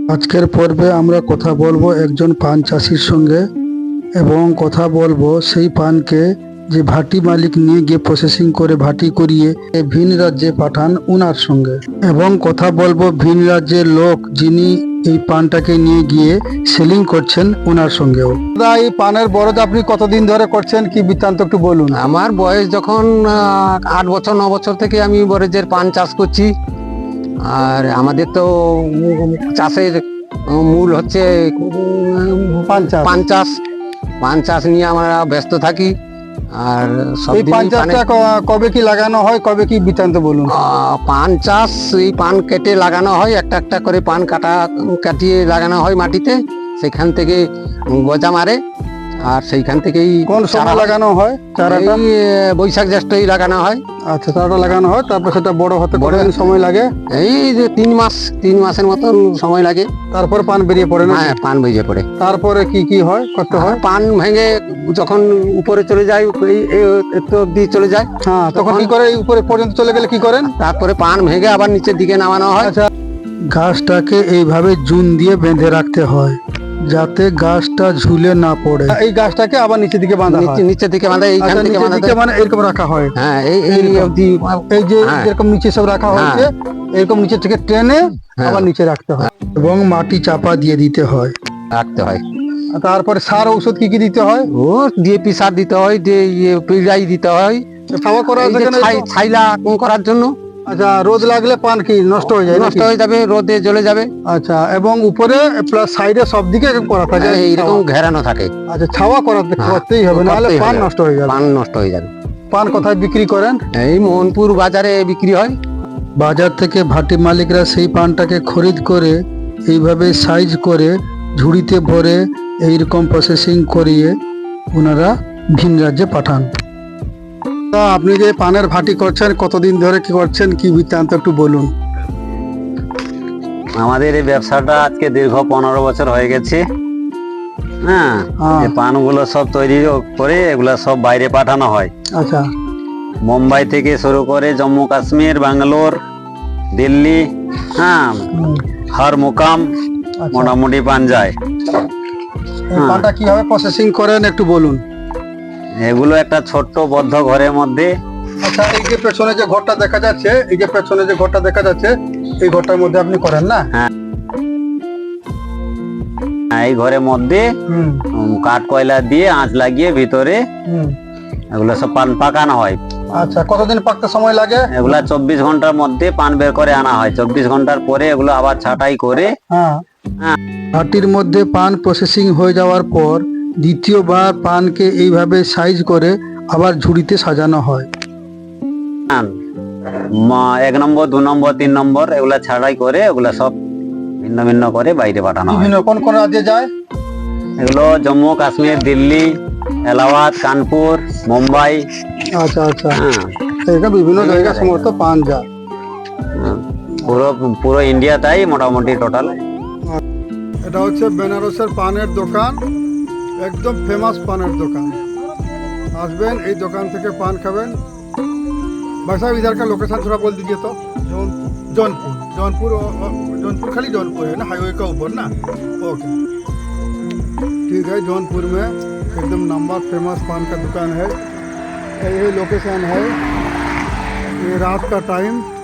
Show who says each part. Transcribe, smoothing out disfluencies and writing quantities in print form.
Speaker 1: আজকের পর্বে আমরা কথা বলবো একজন পান চাষির সঙ্গে এবং কথা বলবো সেই পানকে যে ভাটি মালিক নিয়ে গিয়ে প্রসেসিং করে ভাটি করিয়ে ভিন রাজ্যে পাঠান উনার সঙ্গে, এবং কথা বলবো ভিন রাজ্যের লোক যিনি এই পানটাকে নিয়ে গিয়ে সেলিং করছেন উনার সঙ্গেও। দাদা, এই পানের বরজ আপনি কতদিন ধরে করছেন, কি বৃত্তান্ত একটু বলুন।
Speaker 2: আমার বয়স যখন 8 বছর 9 বছর থেকে আমি বরেজের পান চাষ করছি। আর আমাদের তো চাষের মূল হচ্ছে পান চাষ নিয়ে আমরা ব্যস্ত থাকি। আর
Speaker 1: এই পান চাষটা কবে কি লাগানো হয়, কবে কি বৃত্তান্ত বলুন।
Speaker 2: পান চাষ, এই পান কেটে লাগানো হয়, একটা একটা করে পান কাটিয়ে লাগানো হয় মাটিতে, সেখান থেকে গজা মারে। আর সেইখান থেকেই
Speaker 1: কোন সময় লাগানো হয় চারাটা?
Speaker 2: বৈশাখ জ্যৈষ্ঠই লাগানো হয়।
Speaker 1: আচ্ছা, চারাটা লাগানো হয়, তারপর সেটা বড় হতে কতদিন সময় লাগে?
Speaker 2: এই যে 3 মাসের মতন সময় লাগে।
Speaker 1: তারপর পান বেরিয়ে পড়ে না?
Speaker 2: হ্যাঁ, পান বেরিয়ে পড়ে।
Speaker 1: তারপরে কি হয়, করতে হয়?
Speaker 2: পান ভেঙে যখন উপরে চলে যায়, একটু অব্দি চলে যায়,
Speaker 1: হ্যাঁ, তখন কি করে? উপরে পর্যন্ত চলে গেলে কি করেন?
Speaker 2: তারপরে পান ভেঙে আবার নিচের দিকে নামানো হয়।
Speaker 1: আচ্ছা, গাছটাকে এইভাবে জুন দিয়ে বেঁধে রাখতে হয় যাতে গাছটা ঝুলে না পড়ে। এই গাছটাকে আবার নিচের দিকে বাঁধা হয়?
Speaker 2: নিচের দিকে বাঁধা, এইখান থেকে বাঁধা,
Speaker 1: মানে এরকম রাখা হয়।
Speaker 2: হ্যাঁ, এই অবধি,
Speaker 1: এই যে এরকম নিচে সব রাখা হয়েছে, এরকম নিচে থেকে টেনে আবার নিচে রাখতে হয় এবং মাটি চাপা দিয়ে দিতে হয়,
Speaker 2: রাখতে হয়।
Speaker 1: তারপরে সার ঔষধ কি দিতে হয়?
Speaker 2: ও ডিএপি সার দিতে হয়, পিড়াই দিতে হয়,
Speaker 1: ছাওয়া করার জন্য,
Speaker 2: ছাইলা করার জন্য।
Speaker 1: আচ্ছা, রোদ লাগলে পান কি নষ্ট হয়ে যায়?
Speaker 2: নষ্ট হয়ে যাবে, রোদে জ্বলে যাবে।
Speaker 1: আচ্ছা, এবং উপরে প্লাস সাইডে সব দিকে এরকম করা থাকে,
Speaker 2: এইরকম ঘেরানো থাকে।
Speaker 1: আচ্ছা, ছাওয়া করতেই হবে, নাহলে পান নষ্ট হয়ে যাবে।
Speaker 2: পান নষ্ট হয়ে যাবে।
Speaker 1: পান কোথায় বিক্রি করেন?
Speaker 2: এই মোহনপুর বাজারে বিক্রি হয়।
Speaker 1: বাজার থেকে ভাটি মালিকরা সেই পানটাকে খরিদ করে এইভাবে সাইজ করে ঝুড়িতে ভরে এইরকম প্রসেসিং করিয়ে ওনারা ভিন রাজ্যে পাঠান। আপনি যে পানের ভাটি করছেন, কতদিন ধরে কি করছেন, কি বৃত্তান্ত একটু বলুন।
Speaker 3: আমাদের এই ব্যবসাটা আজকে দীর্ঘ 15 বছর হয়ে গেছে। হ্যাঁ, এই পানগুলো সব তৈরি করে এগুলা সব বাইরে পাঠানো হয়।
Speaker 1: আচ্ছা,
Speaker 3: মুম্বাই থেকে শুরু করে জম্মু কাশ্মীর, ব্যাঙ্গালোর, দিল্লি, হ্যাঁ, হর মুকাম মোটামুটি পান যায়।
Speaker 1: পানটা কিভাবে প্রসেসিং করেন একটু বলুন।
Speaker 3: এগুলো একটা ছোট্ট বদ্ধ ঘরের মধ্যে।
Speaker 1: আচ্ছা, এই যে পেছনে যে ঘরটা দেখা যাচ্ছে, এই ঘরটার মধ্যে আপনি করেন না?
Speaker 3: হ্যাঁ, এই ঘরের মধ্যে কাঠ কয়লা দিয়ে আঁচ লাগিয়ে ভিতরে এগুলো সব পান পাকানো হয়।
Speaker 1: আচ্ছা, কতদিন পাকতে সময় লাগে?
Speaker 3: এগুলা 24 ঘন্টার মধ্যে পান বের করে আনা হয়। 24 ঘন্টার পরে এগুলো আবার ছাঁটাই করে
Speaker 1: ভাটির মধ্যে পান প্রসেসিং হয়ে যাওয়ার পর দ্বিতীয়বার পানকে এইভাবে সাইজ করে আবার ঝুড়িতে সাজানো হয়।
Speaker 3: 1 নম্বর, 2 নম্বর, 3 নম্বর এগুলা ছাড়াই করে এগুলা সব ভিন্ন ভিন্ন করে বাইরে পাঠানো হয়।
Speaker 1: কোন কোন রাজ্যে যায়
Speaker 3: এগুলো? জম্মু কাশ্মীর, দিল্লি, এলাহাবাদ, কানপুর, মুম্বাই।
Speaker 1: আচ্ছা আচ্ছা, এটা বিভিন্ন জায়গায় সমস্ত পান যায়।
Speaker 3: পুরো ইন্ডিয়া তাই মোটামুটি টোটাল।
Speaker 1: এটা হচ্ছে বেনারসের পানের দোকান, একদম ফেমাস পানের দোকান। আসবেন, এই দোকান থেকে পান খাবেন। भाई साहब, इधर का लोकेशन थोड़ा बोल दीजिए तो। जौनपुर खाली जौनपुर है ना, हाईवे का ऊपर ना? ओके, ठीक है। जौनपुर में एकदम नंबर फेमस पान का दुकान है। ये लोकेशन है, ये रात का टाइम